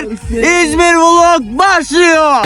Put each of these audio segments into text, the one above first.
İzmir Vlog başlıyor.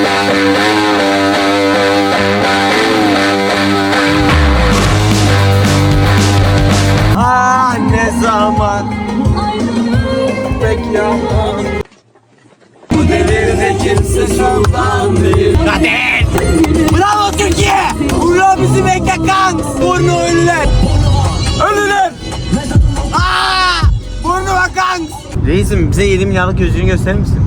Ah ne zaman pek yaman. Bu devirde kimse sultan değil. Kader! Bravo Türkiye! Burnu bizi bekle kanks! Burnu ölüler! Ölüler! Aaa! Burnu bak kanks! Reisim bize 7 milyarlık gözlüğünü gösterir misin?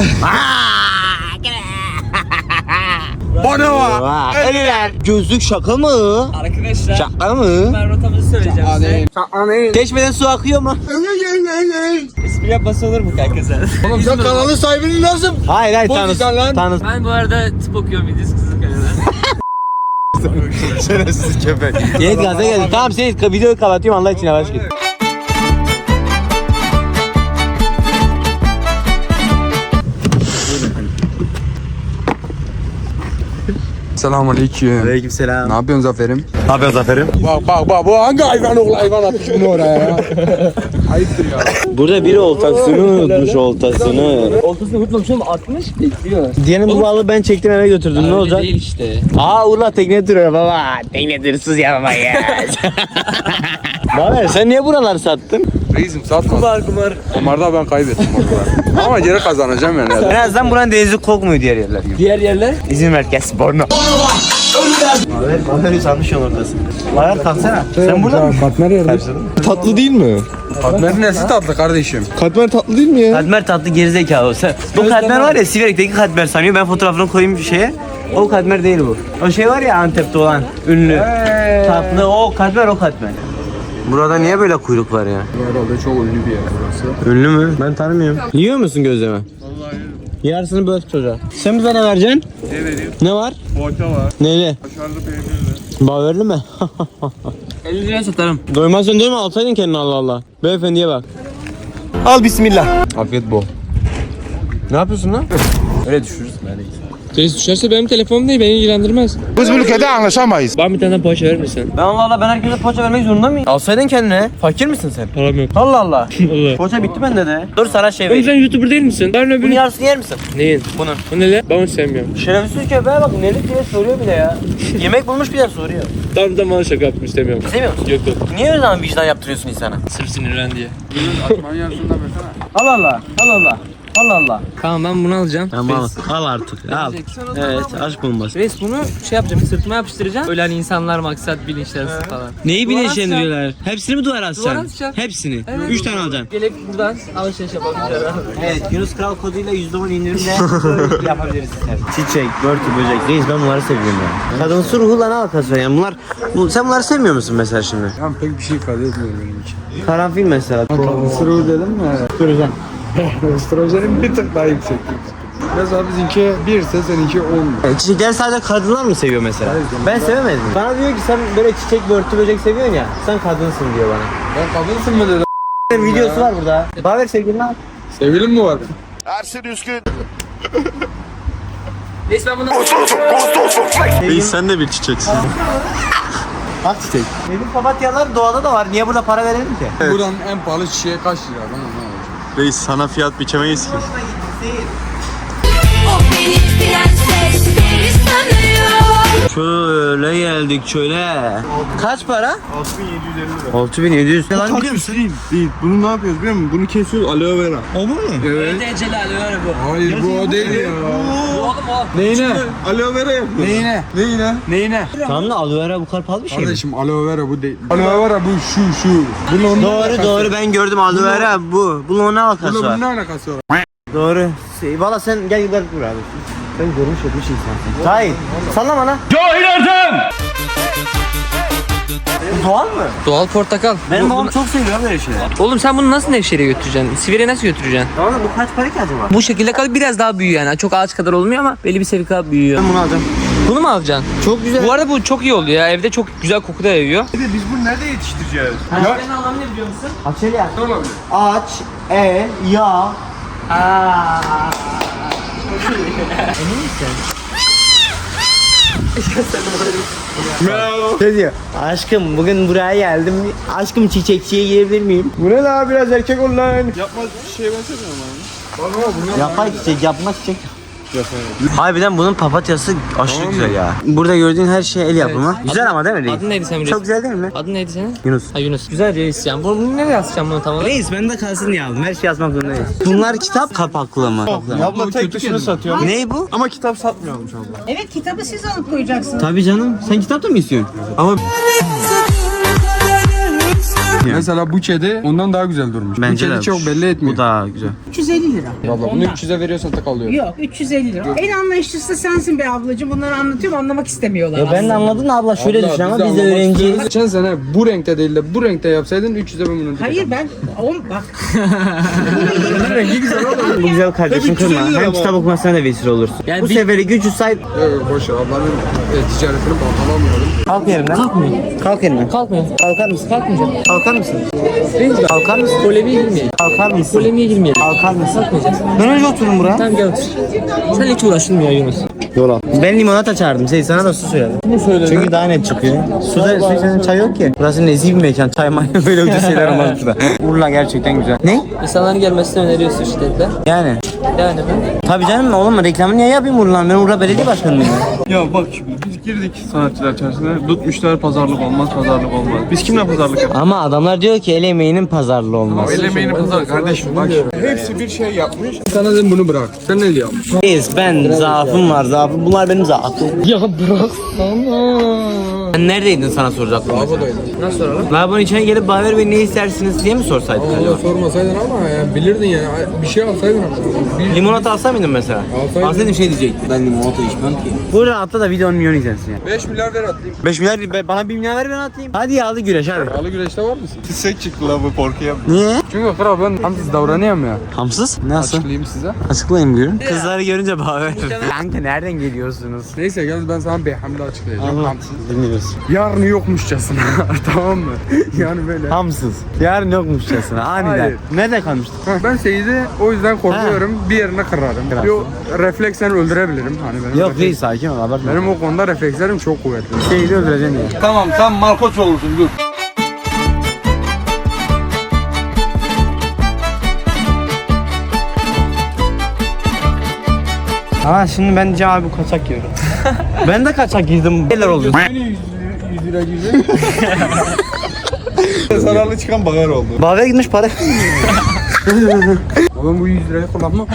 Burnu var! Ölüler! Gözlük şaka mı? Arkadaşlar Şaka mı? ben rotamızı söyleyeceğim size. Çeşmeden su akıyor mu? İsmi yapması olur mu kanka sen? Oğlum sen kanalın sahibinin nasıl? Hayır Bozcan lan. tanız. Ben bu arada tıp okuyorum İdris Kızılkaya'da. Şerefsiz köpek. Seyit gaza geldi. Tamam Seyit videoyu kapatıyorum Allah için yavaş git. Selamünaleyküm. Aleykümselam. Ne yapıyorsun Zafer'im? Ne yapıyorsun Zafer'im? Bak bu hangi hayvan oğlu hayvan atmış bunu oraya ya? Ayıptır ya. Burada biri oltasını unutmuş oltasını. Ortasını unutmamışım 60 bekliyor. Diyelim bu balığı ben çektim eve götürdüm ne olacak? Değil işte. Aa Urla tekne duruyor baba. Tekne dursuz yapamayız. Baver sen niye buraları sattın? Reisim satma. Kumar. Kumarda ben kaybettim orada. Ama geri kazanacağım yani. En azından buranın denizi kokmuyor diğer yerler gibi. Diğer yerler? İzmir Merkez Borno. Baver sanmış yol ortasında. Baver kalksana. Sen burada mı? Katmer yerde. Tatlı değil mi? Katmer'in nesi tatlı kardeşim? Katmer tatlı değil mi ya? Katmer tatlı gerizekalı. Sen, bu katmer var ya Siverek'teki katmer sanıyor. Ben fotoğrafını koyayım bir şeye. O katmer değil bu. O şey var ya Antep'te olan ünlü. Tatlı o katmer o katmer. Burada niye böyle kuyruk var ya? Herhalde çok ünlü bir yer burası. Ünlü mü? Ben tanımıyorum. Yiyor musun gözleme? Vallahi yiyorum. Yarısını böl çocuğa. Sen bize ne vereceksin? Ne vereyim? Ne var? Poğaça var. Neyli? Kaşarlı peynirli. Baverli mi? 50 liraya satarım. Doymazsan doyma alsaydın kendini Allah Allah. Beyefendiye bak. Al bismillah. Afiyet bol. Ne yapıyorsun lan? Öyle düşürürüz. Reis düşerse benim telefonum değil beni ilgilendirmez. Biz bu ülkede anlaşamayız. Bana bir tane poğaça verir misin? Ben Allah Allah ben herkese poğaça vermek zorunda mıyım? Alsaydın kendine. Fakir misin sen? Param yok. Allah Allah. Allah. Poğaça bitti bende de. Dur sana şey Oğlum sen vereyim. YouTuber değil misin? Ben Bunun öbürü... yarısını yer misin? Neyin? Bunun. Bu ne lan? Ben onu sevmiyorum. Şerefsiz köpeğe bak nelik diye soruyor bile ya. Yemek bulmuş bir de soruyor. Tam bana şaka yaptım istemiyorum. Sevmiyor musun? Yok. Niye öyle zaman vicdan yaptırıyorsun insana? Sırf sinirlen diye. Atman yarısında versene. Allah Allah. Allah Allah. Allah Allah. Tamam ben bunu alacağım. Tamam al artık al. Evet aşk bombası. Reis bunu şey yapacağım sırtıma yapıştıracağım. Öyle hani insanlar maksat bilinçlensin falan. Neyi Duvara bilinçlendiriyorlar? Hepsini mi duvara Duvara asacaksın? asacağım. Hepsini. Evet. 3 tane alacaksın. Gelip buradan alışveriş yapabiliriz. Evet Yunus Kral koduyla %10 indirimle yapabiliriz. Çiçek, börtü, böcek. Reis ben bunları seviyorum ya. Kadınsı ruhuyla ne alakası var yani sen bunları sevmiyor musun mesela şimdi? Yani pek bir şey ifade etmiyor benim için. Karanfil mesela. Sırrı dedim mi? Süreceğim. Strojenin bir tık daha yüksek. Mesela bizimki 1 ise seninki 10. Çiçekleri sadece kadınlar mı seviyor mesela? Ben sevemedim. Bana diyor ki sen böyle çiçek, börtü, böcek seviyorsun ya. Sen kadınsın diyor bana. Ben kadınsın mı dedim. Videosu var burada. Baver sevgilin al. Sevgilim mi var? Reis ben bunu... Reis sen de bir çiçeksin. Bak çiçek. Benim papatyalar doğada da var. Niye burada para verelim ki? Buranın en pahalı çiçeği kaç lira? Ben anlamadım. Reis sana fiyat biçemeyiz ki. O benim prenses beni sanıyor. Şöyle geldik şöyle. Kaç para? 6750 lira. 6700. Lan Değil. Bunu ne yapıyoruz biliyor musun? Bunu kesiyoruz aloe vera. o bu mu? Evet. Eceli alıyor bu. Hayır bu o değil ya. Oğlum o. Neyine? Aloe vera yapıyoruz. Neyine? Neyine? Neyine? Tamam da aloe vera bu kadar pahalı bir şey mi? Kardeşim aloe vera bu değil. Aloe vera bu şu. Bunun onunla alakası Doğru yok. ben gördüm aloe vera bu. Bunun ne alakası Bununla var? bunun ne alakası var? Doğru. Valla sen gel dur abi. Sen görmüş etmiş insansın. Hayır. Sallama lan. Bu doğal mı? Doğal portakal. Benim babam çok seviyor böyle şeyler. Oğlum sen bunu nasıl Nevşehir'e götüreceksin? Sivir'e nasıl götüreceksin? Tamam da bu kaç para ki acaba? Bu şekilde kalıp biraz daha büyüyor yani. Çok ağaç kadar olmuyor ama belli bir seviye kadar büyüyor. Ben bunu alacağım. Bunu mu alacaksın? Çok güzel. Bu arada bu çok iyi oluyor ya. Evde çok güzel koku da yayıyor. Biz bunu nerede yetiştireceğiz? Senin anlamı ne biliyor musun? Açeli ya. Ne olabilir? Aç, ya. Emin misin? Ne diyor? Aşkım bugün buraya geldim. Aşkım çiçekçiye girebilir miyim? Bu ne la, biraz erkek ol lan. Yapmaz bir şey benzemiyor mu? Yapay çiçek, yapma çiçek. Harbiden bunun papatyası aşırı güzel ya. Burada gördüğün her şey el yapımı. Güzel ama değil mi reis? Adın neydi senin reis? Çok güzel değil mi? Adın neydi senin? Yunus. Ha Yunus. Güzel reis yani. Bunu nereye yazacağım bunu tam olarak? Reis ben de kalsın diye aldım. Her şey yazmak zorundayız. Bunlar kitap kapaklı mı? Abla tek dışını satıyor. Ne bu? Ama kitap satmıyormuş abla. Evet, kitabı siz alıp koyacaksınız. Tabii canım. Sen kitap da mı istiyorsun? Ama Mesela bu kedi ondan daha güzel durmuş. bence bu de kedi çok belli etmiyor. bu daha güzel. 350 lira. Valla bunu 300'e veriyorsan tek alıyor. Yok, 350 lira. En anlayışlısı sensin be ablacığım. Bunları anlatıyorum, anlamak istemiyorlar. Ya ben de anladın abla, şöyle düşün ama biz de anlamak öğrenciyiz. istiyoruz. Geçen sene bu renkte değil de bu renkte yapsaydın 300'e ben bunu Hayır ben, bak. rengi güzel olur. Bu güzel kardeşim kırma. Hem kitap okumasına da vesile olursun. Yani Bu bir- seferi gücü sahip. Boş ver, ablanın ticaretini baltalamayalım. Kalk yerimden. Kalkmıyor. Kalk yerimden. Kalkmıyor. Kalkar mısın? Kalkmayacağım. Kalkar mısın? Reis bak. Kalkar mısın? Polemiğe girmeyelim. Kalkar mısın? Polemiğe girmeyelim. Kalkar mısın? Kalkmayacağız. Ben önce oturun buraya. Tamam gel otur. Sen hiç uğraştın mı ya Yunus? Yola. Ben limonata çağırdım. Sana da su söyledim. Ne söyledin? Çünkü daha net çıkıyor. Su içen çay yok ki. Burası nezih bir mekan. Çay may böyle ucuz şeyler olmaz burada. Urla gerçekten güzel. Ne? İnsanların gelmesini öneriyorsun şiddetle. Yani. Yani mi? Tabii canım oğlum, reklamını niye yapayım Urla'nın? Ben Urla Belediye Başkanı mıyım? Ya bak şimdi biz girdik sanatçılar içerisine. Tutmuşlar pazarlık olmaz, pazarlık olmaz. Biz kimle pazarlık yapıyoruz? Ama adamlar diyor ki el emeğinin pazarlığı olmaz. El emeğini pazarlık kardeşim bak. Hepsi bir şey yapmış. Sana dedim bunu bırak. Sen ne diyorsun? Reis ben zaafım var, zaafım. Bunlar benim zaafım. Ya bıraksana. Sen neredeydin sana soracaktım. Lavabodaydım. Nasıl soralım? Lavabonun içine gelip Baver Bey ne istersiniz diye mi sorsaydın acaba? Onu sormasaydın ama yani bilirdin yani. Bir şey alsaydın ama. Bir Limonata alsa mıydın mesela? Alsaydım. Alsaydım şey diyecektim. Ben limonata içmem ki. Burada atla da video 10 milyon izlensin ya. 5 milyar ver atlayayım. 5 milyar bana 1 milyar ver ben atayım. Hadi yağlı güreş hadi. Alı güreşte var mısın? Tisek çıktı la bu korkuya. Niye? Çünkü kral ben hamsız davranıyorum ya. Hamsız? Nasıl? Açıklayayım size. Açıklayayım buyurun. Kızları görünce Baver. Kanka nereden geliyorsunuz? Neyse gel ben sana Beyham'da açıklayacağım. Hamsız. Dinliyoruz. Yarın yokmuşçasına. Tamam mı? Yani böyle. Hamsız. Yarın yokmuşçasına aniden. Hayır. Nerede kalmıştık? Ben Seyit'i o yüzden korkuyorum. Bir yerine kırarım. Kırarsın. Yo refleksen öldürebilirim. Hani benim Yok refleks- değil, sakin ol abartma. Benim o konuda reflekslerim çok kuvvetli. Şeyi öldüreceksin ya. Tamam sen Markoç olursun dur. Ama şimdi ben diyeceğim abi bu kaçak yiyorum. Ben de kaçak yedim. Neler oluyor? 100 lira gibi. Zararlı çıkan bagar oldu. Baver gitmiş para. Oğlum bu 100 lirayı kullanma.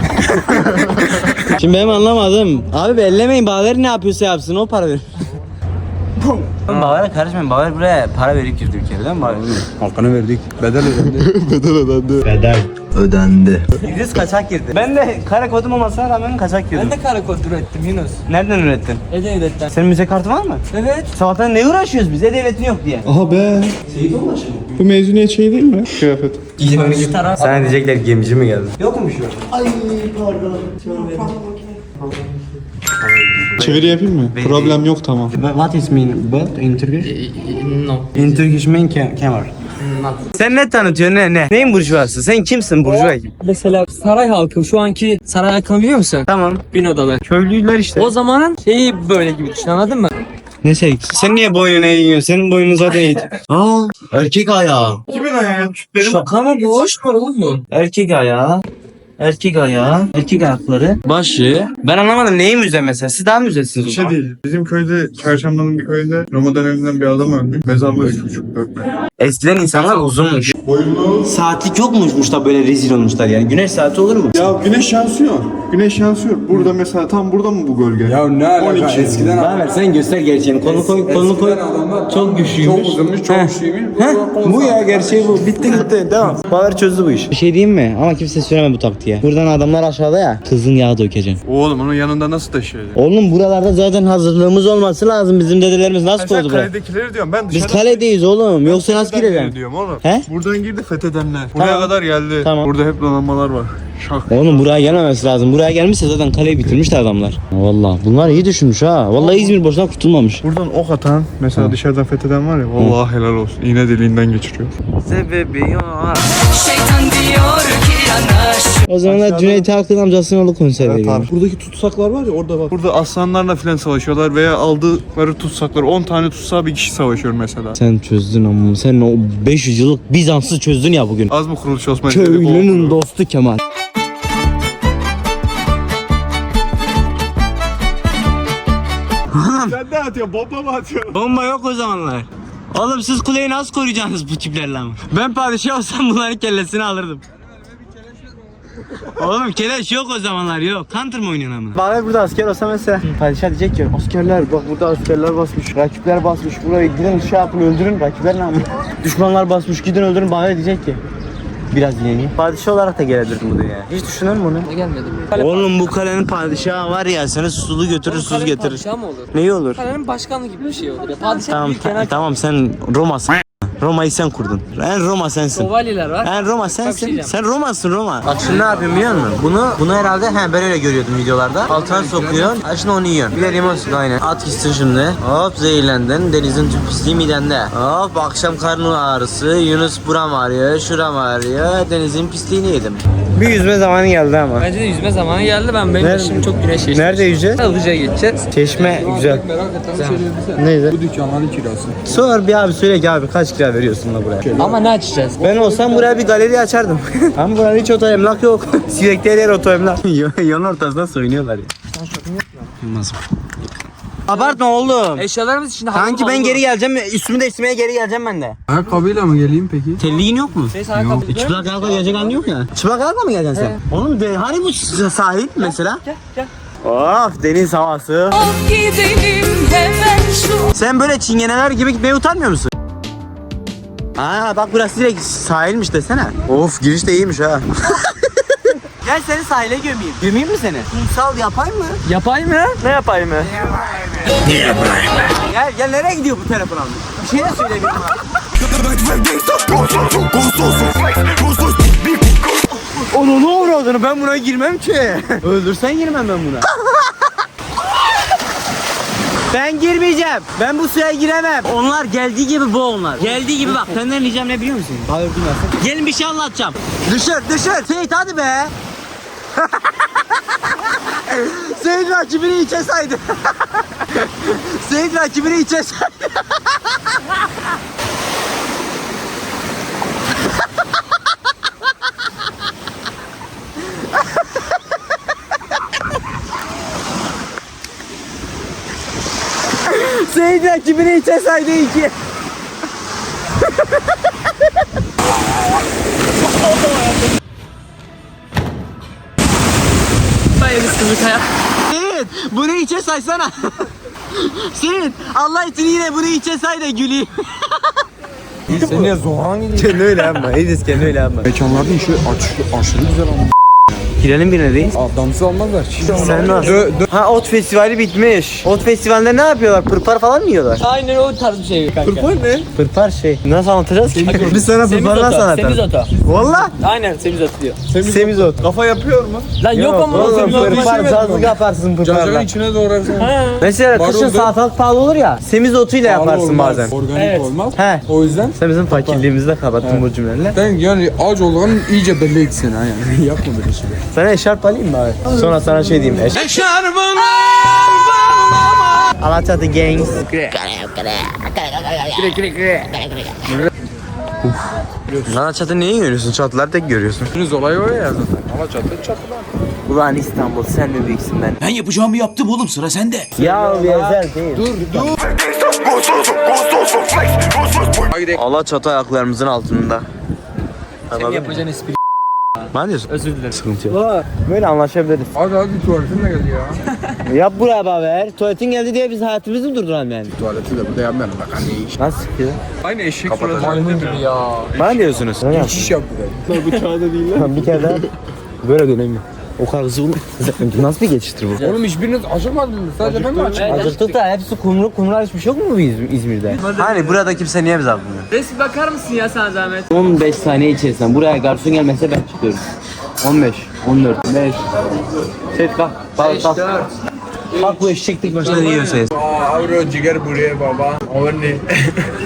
Şimdi benim anlamadım. Abi ellemeyin, Baver ne yapıyorsa yapsın, o para verir. Baver'e karışmayın. Baver buraya para verip girdi bir kere değil mi Baver? Hakkını verdik. Bedel ödendi. İdris kaçak girdi. Ben de kara kodum olmasına rağmen kaçak girdim. Ben de kara kod ürettim Yunus. Nereden ürettin? E-Devlet'ten. Senin müze kartı var mı? Evet. Sabahtan ne uğraşıyoruz biz? E-Devletin yok diye. Aha be. Bu mezuniyet şey değil mi? Kıyafet. Sana diyecekler gemici mi geldi? Yokmuş o. Çeviri yapayım mı? Problem yok tamam. What is mean boat in Turkish? No. In Turkish mean camera. Sen ne tanıtıyorsun ne? Neyin burjuvası? Sen kimsin burjuva kim? Mesela saray halkı şu anki saray halkını biliyor musun? Tamam. Bin odalı. Köylüler işte. O zamanın şeyi böyle gibi düşün, anladın mı? Ne şey? Sen niye boynuna eğiyorsun? Senin boynun zaten eğit. Aa, erkek ayağı. Kimin ayağı? Şaka mı bu? Hoş mu oğlum bu? Erkek ayağı. Erkek ayağı. Erkek ayakları. Başı. Ben anlamadım, neyi müze mesela? Siz daha müzesiniz o Şey zaman. değil. Bizim köyde, Çarşamba'nın bir köyde Roma döneminden bir adam öldü. Mezarlığı 3,5-4 metre. Eskiden insanlar uzunmuş. Boyunlu. Saatlik yokmuşmuş da böyle rezil olmuşlar yani. Güneş saati olur mu? Ya güneş yansıyor. Güneş yansıyor. Burada mesela tam burada mı bu gölge? Ya ne alaka? 12. Eskiden Ver sen göster gerçeğini. Kolunu koy, kolunu koy. Çok güçlüymüş. Çok uzunmuş, çok Heh. güçlüymüş. Bu ya, gerçeği bu. Bitti gitti. Tamam. Baver çözdü bu iş. Bir şey diyeyim mi? Ama kimse söyleme bu taktiğe. Buradan adamlar aşağıda ya. Kızın yağı dökeceksin. Oğlum onun yanında nasıl taşıyacak? Oğlum buralarda zaten hazırlığımız olması lazım. Bizim dedelerimiz nasıl Sen koydu buraya? kaledekileri diyorum. Ben Biz dışarıdan kaledeyiz oğlum. Yoksa nasıl fetheden girelim? diyorum oğlum. He? Buradan girdi fethedenler. Buraya Tamam. kadar geldi. Tamam. Burada hep donanmalar var. Şak. Oğlum buraya gelmemesi lazım. Buraya gelmişse zaten kaleyi bitirmişler adamlar. Vallahi bunlar iyi düşünmüş ha. Vallahi İzmir boşuna kurtulmamış. Buradan ok atan mesela dışarıdan fetheden var ya. Vallahi helal olsun. İğne deliğinden geçiriyor. Sebebi yok. Şeytan diyor ki O zamanlar Cüneyt Arkın amcasının oğlu konser veriyor. Buradaki tutsaklar var ya orada bak. Burada aslanlarla filan savaşıyorlar veya aldıkları tutsaklar 10 tane tutsağı bir kişi savaşıyor mesela. Sen çözdün ama sen o 500 yıllık Bizans'ı çözdün ya bugün. Az mı kuruluş Osman? Köylünün dostu Kemal. Sen ne atıyorsun? Bomba mı atıyorsun? Bomba yok o zamanlar. Oğlum siz kuleyi nasıl koruyacaksınız bu tiplerle ama? Ben padişah olsam bunların kellesini alırdım. Oğlum keleş yok o zamanlar yok. Counter mı oynuyorsun ama? Bana burada asker olsa mesela padişah diyecek ki askerler bak burada askerler basmış, rakipler basmış, buraya gidin şey yapın öldürün rakipler ne ama? Düşmanlar basmış gidin öldürün bana diyecek ki. Biraz yeni. Padişah olarak da gelebilirdim bu dünyaya. Hiç düşünür mü onu? Gelmedim. Oğlum bu kalenin padişahı var ya seni sulu götürür sus getirir. Padişah mı olur? Neyi olur? Kalenin başkanlığı gibi bir şey olur ya. Padişah Tamam değil genel. tamam sen Roma'sın. Roma'yı sen kurdun. En Roma sensin. Şövalyeler var. En Roma Bak bir şey sensin. diyeceğim. Sen Roma'sın Roma. Bak şimdi ne yapayım biliyor musun? Bunu herhalde ben öyle görüyordum videolarda. Altına sokuyorsun. Şimdi onu yiyorsun. Bir de limon suyu aynen. At gitsin şimdi. Hop zehirlendin. Denizin tüm pisliği midende. Hop akşam karnın ağrısı. Yunus buram ağrıyor. Şuram ağrıyor. Denizin pisliğini yedim. Bir yüzme zamanı geldi ama. Bence de yüzme zamanı geldi. Benim yaşım çok güneş geçti. Nerede yüzeceğiz? Ilıca'ya geçeceğiz. Çeşme güzel. Merak ettiğim şey söylesene. Neydi? Bu dükkanların kirası. Sor bir abi söyle ki abi kaç kira veriyorsun da buraya? Ama ne açacağız? Ben olsam buraya bir galeri açardım. Ama burada hiç oto emlak yok. Sürekli her yer oto emlak. Yolun ortasında soyunuyorlar ya. Olmaz. Abartma oğlum. Eşyalarımız içinde Kanki ben geri geleceğim. Üstümü değiştirmeye geri geleceğim ben de. Ayakkabıyla mı geleyim peki? Telliğin yok mu? Çıplak ayakla gelecek halin yok ya. Çıplak ayakla mı geleceksin sen? Oğlum hani bu sahil mesela? Gel. Of deniz havası. Gidelim hemen şu Sen böyle çingeneler gibi gitmeye utanmıyor musun? Aa bak burası direkt sahilmiş desene. Of giriş de iyiymiş ha. Gel seni sahile gömeyim. Gömeyim mi seni? Kumsal yapayım mı? Yapay mı? Ne yapayım mı? Niye yapayım mı? Gel nereye gidiyor bu telefon abi? Bir şey de söylemiyorum ha. Onu ne uğradığını ben buna girmem ki. Öldürsen girmem ben buna. Ben girmeyeceğim. Ben bu suya giremem. Onlar geldiği gibi bu onlar. Geldiği gibi bak. Senden ricam ne biliyor musun? Hayır bilmezsin. Gelin bir şey anlatacağım. Dışarı. Seyit hadi be. Seyit rakibini içe saydı. Seyit rakibini içe saydı. Seyit rakibini içe saydı iki. Bayılız kızlık hayat. Seyit bunu içe saysana. Seyit Allah için yine bunu içe say da güleyim. Sen niye Zoran gidiyorsun? Kendi öyle yapma. Edis kendi öyle yapma. Mekanlarda işi aşırı güzel ama. Girelim birine reis. Damsız almazlar. Sen nasıl? Ha ot festivali bitmiş. Ot festivalinde ne yapıyorlar? Pırpar falan mı yiyorlar? Aynen o tarz bir şey kanka. ne? Pırpar şey. Nasıl anlatacağız ki? Biz sana pırpar nasıl anlatalım? Semizoto. Valla. Aynen semizoto diyor. Semizot. Kafa yapıyor mu? Lan yok ama o Oğlum semizoto. pırpar cazlık yaparsın Cacığın pırparla. içine doğrarsın. Mesela Var kışın oldu. salatalık pahalı olur ya. Semizotuyla yaparsın bazen. Organik Evet. olmaz. He. O yüzden Sen bizim fakirliğimizi de kapattın bu cümlelerle. ben yani aç olduğunu iyice belli etsin ha yani. Yapma böyle şey. Sana eşarp alayım mı abi? Sonra sana şey diyeyim. Alaçatı Gangs. Alaçatı neyi görüyorsun? Çatıları tek görüyorsun. Deniz olayı o ya zaten. Ama çatılar. Ulan İstanbul sen mi büyüksün ben? Ben yapacağımı yaptım oğlum, sıra sende. Ya Yezer değil. Dur. Alaçatı ayaklarımızın altında. Senin yapacağın espri. Ne diyorsun? Özür dilerim. Sıkıntı yok. Böyle anlaşabiliriz. Hadi tuvaletin de geldi ya. Yap buraya haber. Tuvaletin geldi diye biz hayatımızı mı durduralım yani? Tuvaleti de burada yapmayalım bak anne iş. Nasıl ya? Aynı eşek suratı. Maymun gibi ya. Bana diyorsunuz. Hiç iş yaptı da. Bıçağı da değil lan. Bir kere daha. Böyle dönemiyor. O kadar hızlı bunu. Nasıl bir geçiştir bu? Oğlum hiçbiriniz acımadınız. Sadece ben mi acıdım? Acıktık da hepsi kumru hiçbir şey yok mu bu İzmir'de? Hani burada kimse niye bize bakmıyor? Resim bakar mısın ya sana zahmet? 15 saniye içerisinde buraya garson gelmezse ben çıkıyorum. 15, 14, 5. Set kalk. Kalk. Bak bu eşeklik başına ne yiyorsunuz? Avro ciger buraya baba. Avro ne?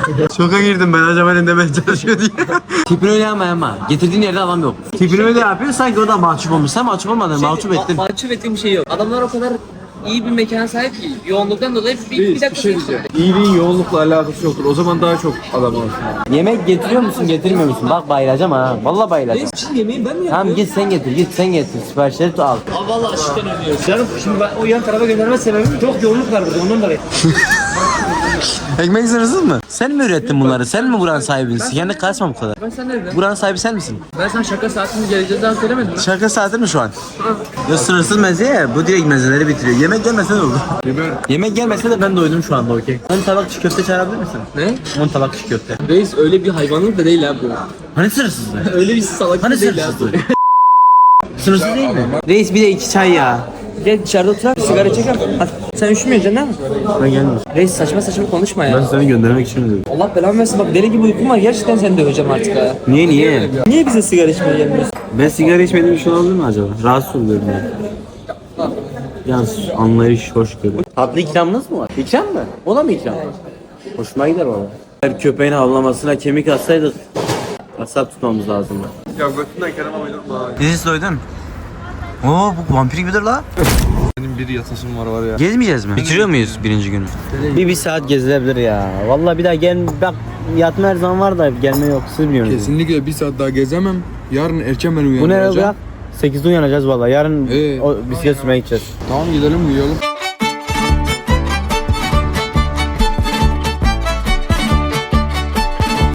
Şoka girdim ben acaba ne demeye çalışıyor diye. Tipini öyle ama getirdiğin yerde adam yok. Tipini öyle yapıyor sanki o da mahcup olmuş. Sen mahcup olmadın, mahcup ettin. Mahcup ettiğim bir şey yok. Adamlar o kadar iyi bir mekana sahip ki yoğunluktan dolayı bir dakika diyeceğim. İyiliğin yoğunlukla alakası yoktur. O zaman daha çok adam olsun. Yemek getiriyor musun, getirmiyor musun? Bak bayılacağım ha. Vallahi bayılacağım. Şimdi yemeği ben mi Tamam git sen getir. Siparişleri al. Abi vallahi aşktan ödüyoruz. Canım şimdi ben o yan tarafa gönderme sebebim çok yoğunluk var burada ondan dolayı. Ekmek sırasız mı? Sen mi ürettin bunları? Sen mi buranın sahibisin? Kendi kasma bu kadar. Ben sen nereden? Buranın sahibi sen misin? Ben sana şaka saatini geleceğinden söylemedim mi? Şarkı saati mi şu an? Ya sınırsız meze ya. Bu direkt mezeleri bitiriyor. Yemek gelmese ne olur? Yemek gelmese de ben doydum şu anda okey. 10 tabak çiğ köfte çağırabilir misin? Ne? 10 tabak çiğ köfte. Reis öyle bir hayvanlık da değil ha bu. Hani sınırsızdı? Öyle bir salak Hani değil ha bu. sınırsızdı? Sınırsız değil mi? Reis bir de 2 çay ya. Gel dışarıda oturak sigara çekelim. Hadi. Sen üşümüyorsun değil mi? Ben gelmiyorum. Reis saçma saçma konuşma ya. Seni göndermek için dedim. Allah belanı versin bak deli gibi uykum var gerçekten seni döveceğim artık ha. Niye? Niye bize sigara içmeye gelmiyorsun? Ben sigara içmediğim için olabilir mi acaba? Rahatsız oluyorum ben. Yalnız anlayış, hoşgörü. Tatlı ikramınız mı var? İkram mı? Ona mı ikram? Hoşuma gider valla. Her köpeğin havlamasına kemik atsaydık asap tutmamız lazım. Ya götünden Kerem'e uydurma. Dizisi doydun. Oo bu vampir gibidir la. Benim bir yatasım var ya. Gezmeyeceğiz mi? Bitiriyor muyuz birinci günü? Bir saat gezilebilir ya. Vallahi bir daha bak yatma her zaman var da gelme yok. Siz biliyorsunuz. Kesinlikle bir saat daha gezemem. Yarın erken ben Bu ne uyanacağım. ya? 8'de uyanacağız vallahi. Yarın Ee? o bisiklet sürmeye gideceğiz. Tamam gidelim uyuyalım.